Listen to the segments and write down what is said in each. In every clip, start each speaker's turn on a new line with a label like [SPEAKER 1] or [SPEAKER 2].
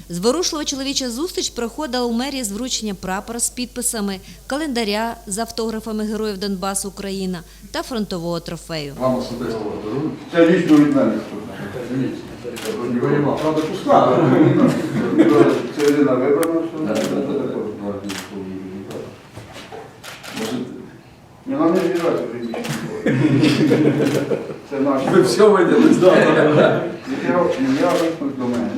[SPEAKER 1] Зворушлива чоловіча зустріч проходила у мерії з врученням прапора з підписами, календаря з автографами героїв Донбасу, Україна та фронтового трофею.
[SPEAKER 2] Вам особисто подарунок.
[SPEAKER 3] Це лічно від мене.
[SPEAKER 2] Правда, пуста.
[SPEAKER 3] Це Ірина вибрана, що? Ні, нам не зіграти приміщення. Це наш.
[SPEAKER 2] Ви все виділи, здавали.
[SPEAKER 3] Я висновок до мене.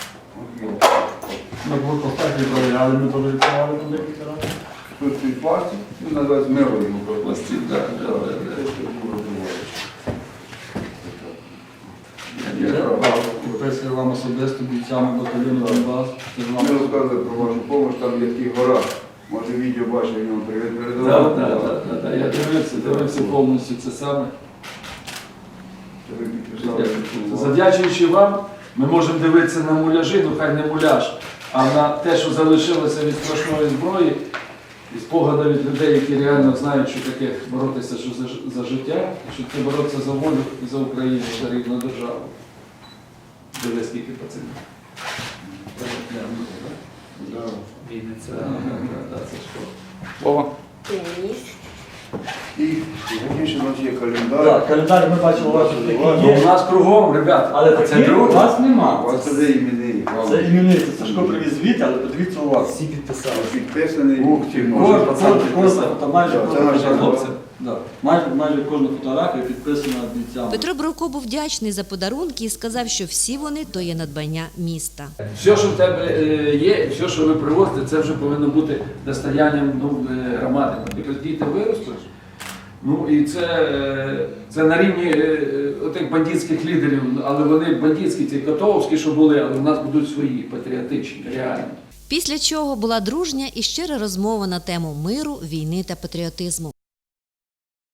[SPEAKER 2] Ми були поставки провіряли, ми теж відкривали туди.
[SPEAKER 3] Тут цей пластик, він називається мировий.
[SPEAKER 2] Пластик, так. Підписую вам особисто бійцями батальйону Донбас.
[SPEAKER 3] Ми розказуємо про вашу допомогу, там є такі гора. Може відео бачив, він вам привіт передавав.
[SPEAKER 2] Так, я дивився повністю це саме.
[SPEAKER 3] Це ви підписали.
[SPEAKER 2] Завдячуючи вам, ми можемо дивитися на муляжі, ну хай не муляж, а на те, що залишилося від страшної зброї, і спогади від людей, які реально знають, що таке боротися за життя, що це боротися за волю і за Україну, за рідну державу. Диви, скільки пацанів. Це що? Вова?
[SPEAKER 3] І сьогодні у нас є календар.
[SPEAKER 4] Так, календар ми бачимо у вас
[SPEAKER 2] Ну,
[SPEAKER 4] такий
[SPEAKER 2] у
[SPEAKER 4] є,
[SPEAKER 2] нас кругом, ребята,
[SPEAKER 4] але
[SPEAKER 2] це
[SPEAKER 4] такий у
[SPEAKER 2] друге.
[SPEAKER 4] вас
[SPEAKER 3] У
[SPEAKER 4] нема.
[SPEAKER 3] вас це де імені.
[SPEAKER 4] Це іменний, це Сашко привіз звідти, але подивіться у вас.
[SPEAKER 5] Всі підписали.
[SPEAKER 3] Підписаний.
[SPEAKER 2] Ух ти, може, пацан підписав.
[SPEAKER 4] Майже
[SPEAKER 3] Так, це
[SPEAKER 4] кожна
[SPEAKER 3] наша
[SPEAKER 4] фотографія. Да. Майже кожна фотографія підписана бійцями.
[SPEAKER 1] Петро Бровко був вдячний за подарунки і сказав, що всі вони – то є надбання міста.
[SPEAKER 2] Все, що в тебе є, все, що ви привозите, це вже повинно бути достоянням громади. Наприклад, діти виростуть. Ну і це на рівні отих бандитських лідерів, але вони бандитські, ці котовські, що були, але в нас будуть свої, патріотичні, реальні.
[SPEAKER 1] Після чого була дружня і щира розмова на тему миру, війни та патріотизму.